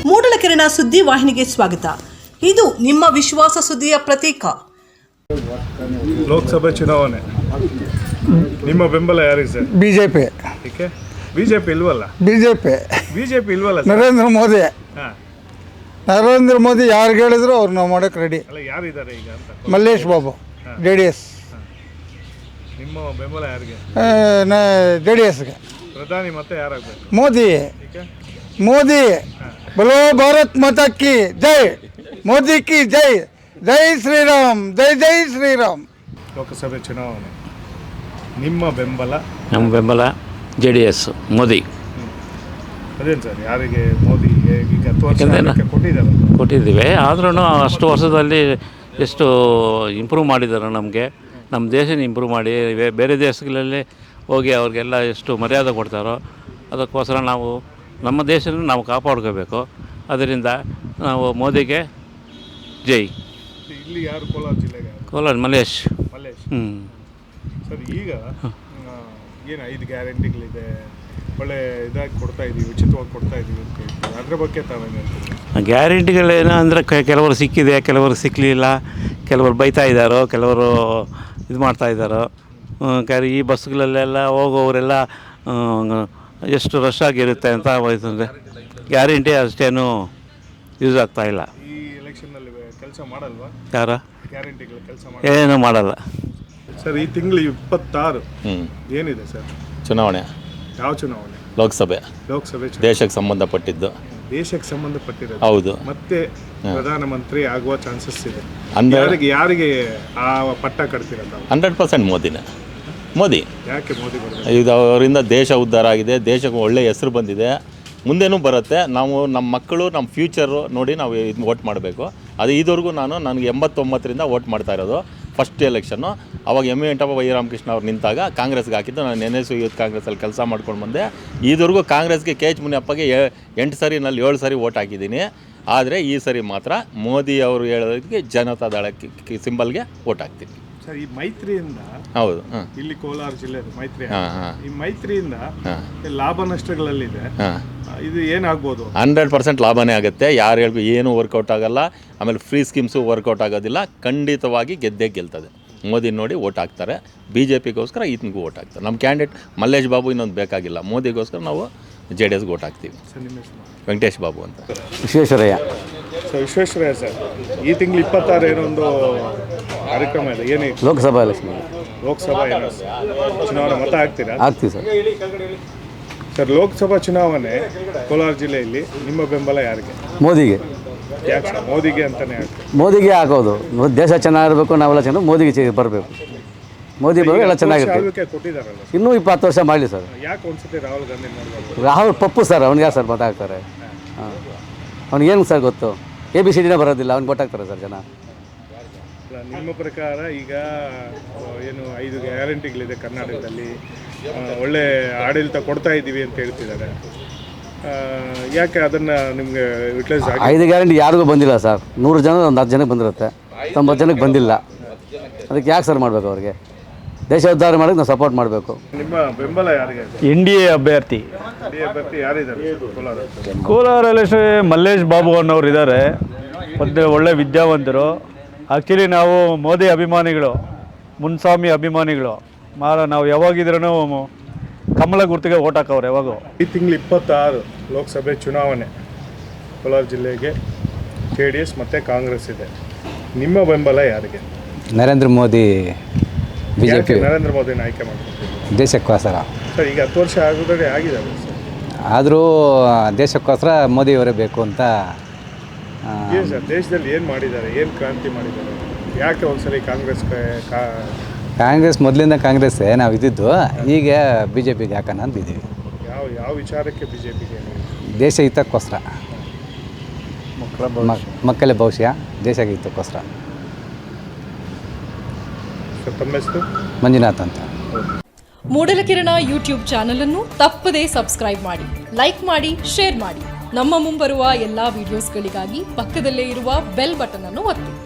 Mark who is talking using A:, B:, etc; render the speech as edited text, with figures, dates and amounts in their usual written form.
A: ಮೂಡಲಕೆರೆನ ಸುದ್ದಿ ವಾಹಿನಿಗೆ ಸ್ವಾಗತ. ಇದು ನಿಮ್ಮ ವಿಶ್ವಾಸ ಸುದ್ದಿಯ ಪ್ರತೀಕ.
B: ಲೋಕಸಭೆ ಚುನಾವಣೆ, ನಿಮ್ಮ ಬೆಂಬಲ ಯಾರಿಗೆ ಸರ್?
C: ಬಿಜೆಪಿ.
B: ಏಕೆ ಬಿಜೆಪಿ ಇಲ್ವಲ್ಲ? ಬಿಜೆಪಿ ಇಲ್ವಲ್ಲ?
C: ನರೇಂದ್ರ ಮೋದಿ. ನರೇಂದ್ರ ಮೋದಿ ಯಾರು ಹೇಳಿದ್ರು ಅವ್ರು ನಾವು ಮಾಡೋಕೆ ರೆಡಿ.
B: ಅಲ್ಲ, ಯಾರಿದ್ದಾರೆ ಈಗ ಅಂತ?
C: ಮಲ್ಲೇಶ್ ಬಾಬು, JDS.
B: ನಿಮ್ಮ ಬೆಂಬಲ ಯಾರಿಗೆ?
C: JDSಗೆ.
B: ಪ್ರಧಾನಿ ಮತ್ತೆ ಯಾರಾಗಬೇಕು?
C: ಮೋದಿ.
B: ಏಕೆ
C: ಮೋದಿ. बोलो भारत माता की जय, मोदी की जय, जय श्री राम, जय जय श्री राम.
B: ಲೋಕಸಭೆ ಚುನಾವಣೆ, ನಿಮ್ಮ ಬೆಂಬಲ?
D: ನಮ್ಮ ಬೆಂಬಲ JDS, ಮೋದಿ.
B: ಅದೇನು ಸರ್, ಯಾರಿಗೆ? ಮೋದಿಗೆ ಈಗ 10 ವರ್ಷ ಕೊಟ್ಟಿದ್ದಾರೆ.
D: ಕೊಟ್ಟಿದ್ದೀವಿ, ಆದ್ರೂ ಅಷ್ಟು ವರ್ಷದಲ್ಲಿ ಎಷ್ಟು ಇಂಪ್ರೂವ್ ಮಾಡಿದ್ದಾರೆ. ನಮ್ಮ ದೇಶನ ಇಂಪ್ರೂವ್ ಮಾಡಿ ಬೇರೆ ದೇಶಗಳಲ್ಲಿ ಹೋಗಿ ಅವ್ರಿಗೆಲ್ಲ ಎಷ್ಟು ಮರ್ಯಾದೆ ಕೊಡ್ತಾರೋ ಅದಕ್ಕೋಸ್ಕರ ನಾವು ನಮ್ಮ ದೇಶನ ನಾವು ಕಾಪಾಡ್ಕೋಬೇಕು. ಅದರಿಂದ ನಾವು ಮೋದಿಗೆ ಜೈ.
B: ಇಲ್ಲಿ ಯಾರು? ಕೋಲಾರ ಜಿಲ್ಲೆಗೆ
D: ಕೋಲಾರ ಮಲ್ಲೇಶ್.
B: ಸರ್, ಈಗ ಏನು 5 ಗ್ಯಾರಂಟಿಗಳಿದೆ, ಒಳ್ಳೆ ಇದಾಗಿ ಕೊಡ್ತಾ ಇದ್ದೀವಿ, ಉಚಿತವಾಗಿ ಕೊಡ್ತಾ ಇದ್ದೀವಿ ಅಂತ ಹೇಳ್ತೀವಿ. ಅದ್ರ ಬಗ್ಗೆ ತಾವೇನು ಹೇಳ್ತೀವಿ?
D: ಗ್ಯಾರಂಟಿಗಳೇನು ಅಂದರೆ ಕೆಲವರು ಸಿಕ್ಕಿದೆ, ಕೆಲವರು ಸಿಕ್ಕಲಿಲ್ಲ, ಕೆಲವರು ಬೈತಾ ಇದ್ದಾರೋ, ಕೆಲವರು ಇದು ಮಾಡ್ತಾಯಿದ್ದಾರೋ. ಈ ಬಸ್ಗಳಲ್ಲೆಲ್ಲ ಹೋಗೋವರೆಲ್ಲ ಎಷ್ಟು ರಶ್ ಆಗಿರುತ್ತೆ ಅಂತ ಹೋಯ್ತಂದರೆ ಗ್ಯಾರಂಟಿ ಅಷ್ಟೇನು ಯೂಸ್ ಆಗ್ತಾಯಿಲ್ಲ.
B: ಈ ಎಲೆಕ್ಷನ್ನಲ್ಲಿ ಕೆಲಸ ಮಾಡಲ್ವಾ?
D: ಯಾರ
B: ಗ್ಯಾರಂಟಿಗಳು ಕೆಲಸ
D: ಏನೂ ಮಾಡಲ್ಲ
B: ಸರ್. ಈ ತಿಂಗಳು 26 ಏನಿದೆ ಸರ್?
E: ಚುನಾವಣೆ.
B: ಯಾವ ಚುನಾವಣೆ?
E: ಲೋಕಸಭೆ ದೇಶಕ್ಕೆ ಸಂಬಂಧಪಟ್ಟಿದ್ದು.
B: ದೇಶಕ್ಕೆ ಸಂಬಂಧಪಟ್ಟಿರೋದು.
E: ಹೌದು.
B: ಮತ್ತೆ ಪ್ರಧಾನಮಂತ್ರಿ ಆಗುವ ಚಾನ್ಸಸ್ ಇದೆ. ಯಾರಿಗೆ ಆ ಪಟ್ಟ ಕಟ್ತಿರೋದು?
E: 100% ಮೋದಿನೇ. ಮೋದಿ.
B: ಯಾಕೆ ಮೋದಿ ಬರುತ್ತೆ?
E: ಇದು ಅವರಿಂದ ದೇಶ ಉದ್ಧಾರ ಆಗಿದೆ, ದೇಶಕ್ಕೆ ಒಳ್ಳೆಯ ಹೆಸರು ಬಂದಿದೆ, ಮುಂದೇನೂ ಬರುತ್ತೆ. ನಾವು ನಮ್ಮ ಮಕ್ಕಳು, ನಮ್ಮ ಫ್ಯೂಚರು ನೋಡಿ ನಾವು ಇದು ವೋಟ್ ಮಾಡಬೇಕು. ಅದು ಇದುವರೆಗೂ ನನಗೆ 89ರಿಂದ ವೋಟ್ ಮಾಡ್ತಾ ಇರೋದು. ಫಸ್ಟ್ ಎಲೆಕ್ಷನ್ನು ಅವಾಗ ವೆಂಕಟಪ್ಪ ವೈರಾಮಕೃಷ್ಣ ಅವ್ರು ನಿಂತಾಗ ಕಾಂಗ್ರೆಸ್ಗೆ ಹಾಕಿದ್ದು. ನಾನು NSU ಯೂತ್ ಕಾಂಗ್ರೆಸ್ಸಲ್ಲಿ ಕೆಲಸ ಮಾಡ್ಕೊಂಡು ಬಂದೆ. ಇದುವರೆಗೂ ಕಾಂಗ್ರೆಸ್ಗೆ KH ಮುನಿಯಪ್ಪಗೆ 8 ಸರಿನಲ್ಲಿ 7 ಸರಿ ವೋಟ್ ಹಾಕಿದ್ದೀನಿ. ಆದರೆ ಈ ಸರಿ ಮಾತ್ರ ಮೋದಿ ಅವರು ಹೇಳೋದಕ್ಕೆ ಜನತಾದಳಕ್ಕೆ ಸಿಂಬಲ್ಗೆ ವೋಟ್ ಹಾಕ್ತೀನಿ
B: ಸರ್. ಈ ಮೈತ್ರಿಯಿಂದ, ಹೌದು, ಇಲ್ಲಿ ಕೋಲಾರ ಜಿಲ್ಲೆ ಮೈತ್ರಿ, ಈ ಮೈತ್ರಿಯಿಂದ ಲಾಭ ನಷ್ಟಗಳಲ್ಲಿದೆ. ಇದು ಏನಾಗ್ಬೋದು?
E: 100% ಲಾಭನೇ ಆಗುತ್ತೆ. ಯಾರು ಹೇಳ್ಬೇಕು, ಏನೂ ವರ್ಕೌಟ್ ಆಗಲ್ಲ. ಆಮೇಲೆ ಫ್ರೀ ಸ್ಕೀಮ್ಸು ವರ್ಕೌಟ್ ಆಗೋದಿಲ್ಲ. ಖಂಡಿತವಾಗಿ ಗೆದ್ದೇ ಗೆಲ್ತದೆ. ಮೋದಿ ನೋಡಿ ವೋಟ್ ಹಾಕ್ತಾರೆ. BJPಗೋಸ್ಕರ ಈತನಿಗೂ ವೋಟ್ ಹಾಕ್ತಾರೆ. ನಮ್ಮ ಕ್ಯಾಂಡಿಡೇಟ್ ಮಲ್ಲೇಶ್ ಬಾಬು ಇನ್ನೊಂದು ಬೇಕಾಗಿಲ್ಲ. ಮೋದಿಗೋಸ್ಕರ ನಾವು JDSಗೆ ವೋಟ್ ಹಾಕ್ತೀವಿ. ವೆಂಕಟೇಶ್ ಬಾಬು ಅಂತ.
C: ವಿಶ್ವೇಶ್ವರಯ್ಯ.
B: ವಿಶ್ವೇಶ್ವರಯ್ಯ ಸರ್, ಈ ತಿಂಗಳು 26 ಏನೋ ಒಂದು ಕಾರ್ಯಕ್ರಮ ಇದೆ. ಏನೇ?
C: ಲೋಕಸಭಾ ಎಲೆಕ್ಷನ್.
B: ಲೋಕಸಭಾ ಚುನಾವಣೆ ಮತ ಹಾಕ್ತೀರಾ?
C: ಹಾಕ್ತೀವಿ ಸರ್.
B: ಸರ್, ಲೋಕಸಭಾ ಚುನಾವಣೆ ಕೋಲಾರ ಜಿಲ್ಲೆಯಲ್ಲಿ ನಿಮ್ಮ ಬೆಂಬಲ ಯಾರಿಗೆ?
C: ಮೋದಿಗೆ.
B: ಯಾಕೆ ಸರ್ ಮೋದಿಗೆ ಅಂತಲೇ ಹೇಳ್ತೀವಿ?
C: ಮೋದಿಗೆ ಹಾಕೋದು. ದೇಶ ಚೆನ್ನಾಗಿರಬೇಕು, ನಾವೆಲ್ಲ ಚೆನ್ನಾಗಿ ಮೋದಿಗೆ ಬರಬೇಕು. ಮೋದಿ ಬರೋ ಎಲ್ಲ ಚೆನ್ನಾಗಿರುತ್ತೆ.
B: ಕೊಟ್ಟಿದ್ದಾರಲ್ಲ,
C: ಇನ್ನೂ 20 ವರ್ಷ ಮಾಡಲಿ ಸರ್.
B: ಯಾಕೆ ಒಂದ್ಸತಿ ರಾಹುಲ್ ಗಾಂಧಿ ಮಾಡ್ಬೋದು?
C: ರಾಹುಲ್ ಪಪ್ಪು ಸರ್, ಅವ್ನಿಗೆ ಯಾರು ಸರ್ ಮತ ಹಾಕ್ತಾರೆ? ಅವ್ನಿಗೇನು ಸರ್ ಗೊತ್ತು? ABCDನೇ ಬರೋದಿಲ್ಲ, ಅವ್ನಿಗೆ ವೋಟ್ ಹಾಕ್ತಾರೆ ಸರ್ ಜನ.
B: ನಿಮ್ಮ ಪ್ರಕಾರ ಈಗ ಏನು 5 ಗ್ಯಾರಂಟಿಗಳಿದೆ ಕರ್ನಾಟಕದಲ್ಲಿ, ಒಳ್ಳೆ ಆಡಳಿತ ಕೊಡ್ತಾ ಇದ್ದೀವಿ ಅಂತ ಹೇಳ್ತಿದ್ದಾರೆ. ಯಾಕೆ ಅದನ್ನು ನಿಮಗೆ ಯುಟಿಲೈಸ್ ಆಗಿ?
C: 5 ಗ್ಯಾರಂಟಿ ಯಾರಿಗೂ ಬಂದಿಲ್ಲ ಸರ್. 100 ಜನ ಒಂದು 10 ಜನಕ್ಕೆ ಬಂದಿರುತ್ತೆ, 90 ಜನಕ್ಕೆ ಬಂದಿಲ್ಲ. ಅದಕ್ಕೆ ಯಾಕೆ ಸರ್ ಮಾಡಬೇಕು? ಅವ್ರಿಗೆ ದೇಶ ಉದ್ಧಾರ ಮಾಡೋಕ್ಕೆ ನಾವು ಸಪೋರ್ಟ್ ಮಾಡಬೇಕು.
B: ನಿಮ್ಮ ಬೆಂಬಲ ಯಾರಿಗೆ?
F: NDA ಅಭ್ಯರ್ಥಿ
B: ಯಾರಿದ್ದಾರೆ
F: ಕೋಲಾರಲ್ಲಿ? ಮಲ್ಲೇಶ್ ಬಾಬು ಅನ್ನೋರು ಇದ್ದಾರೆ. ಮತ್ತು ಒಳ್ಳೆ ವಿದ್ಯಾವಂತರು. ಆ್ಯಕ್ಚುಲಿ ನಾವು ಮೋದಿ ಅಭಿಮಾನಿಗಳು, ಮುನ್ಸ್ವಾಮಿ ಅಭಿಮಾನಿಗಳು. ನಾವು ಯಾವಾಗಿದ್ರೂ ಕಮಲ ಗುರ್ತಿಗೆ ಓಟ್ ಹಾಕವ್ರು ಯಾವಾಗೂ.
B: ಈ ತಿಂಗಳು 26 ಲೋಕಸಭೆ ಚುನಾವಣೆ ಕೋಲಾರ ಜಿಲ್ಲೆಗೆ JDS ಮತ್ತು ಕಾಂಗ್ರೆಸ್ ಇದೆ. ನಿಮ್ಮ ಬೆಂಬಲ ಯಾರಿಗೆ?
C: ನರೇಂದ್ರ ಮೋದಿ, BJP.
B: ನರೇಂದ್ರ ಮೋದಿನ ಆಯ್ಕೆ ಮಾಡ್ತೀವಿ
C: ದೇಶಕ್ಕೋಸ್ಕರ.
B: ಸರ್, ಈಗ 10 ವರ್ಷ ಆಗೋದ್ರೆ ಆಗಿದ್ದಾರೆ ಸರ್.
C: ಆದರೂ ದೇಶಕ್ಕೋಸ್ಕರ ಮೋದಿಯವರೇ ಬೇಕು ಅಂತ.
B: ಏನು ಸರ್, ದೇಶದಲ್ಲಿ ಏನು ಮಾಡಿದ್ದಾರೆ? ಏನು ಕ್ರಾಂತಿ ಮಾಡಿದ್ದಾರೆ? ಯಾಕೆ ಒಂದ್ಸರಿ
C: ಕಾಂಗ್ರೆಸ್ ಮೊದಲಿಂದ ಕಾಂಗ್ರೆಸ್ಸೇ ನಾವು ಇದ್ದಿದ್ದು. ಈಗ BJPಗೆ ಹಾಕೋಣ ಅಂತಿದ್ದೀವಿ.
B: ಯಾವ ವಿಚಾರಕ್ಕೆ BJPಗೆ?
C: ದೇಶ ಹಿತಕ್ಕೋಸ್ಕರ, ಮಕ್ಕಳ ಭವಿಷ್ಯ, ದೇಶ ಹಿತಕ್ಕೋಸ್ಕರ.
B: ತಮ್ಮ ಹೆಸರು?
C: ಮಂಜುನಾಥ್ ಅಂತ.
A: ಮೂಡಲಕೆರೆನ ಯೂಟ್ಯೂಬ್ ಚಾನಲ್ ಅನ್ನು ತಪ್ಪದೇ ಸಬ್ಸ್ಕ್ರೈಬ್ ಮಾಡಿ, ಲೈಕ್ ಮಾಡಿ, ಶೇರ್ ಮಾಡಿ. ನಮ್ಮ ಮುಂಬರುವ ಎಲ್ಲಾ ವಿಡಿಯೋಸ್ಗಳಿಗಾಗಿ ಪಕ್ಕದಲ್ಲೇ ಇರುವ ಬೆಲ್ ಬಟನ್ ಅನ್ನು ಒತ್ತಿ.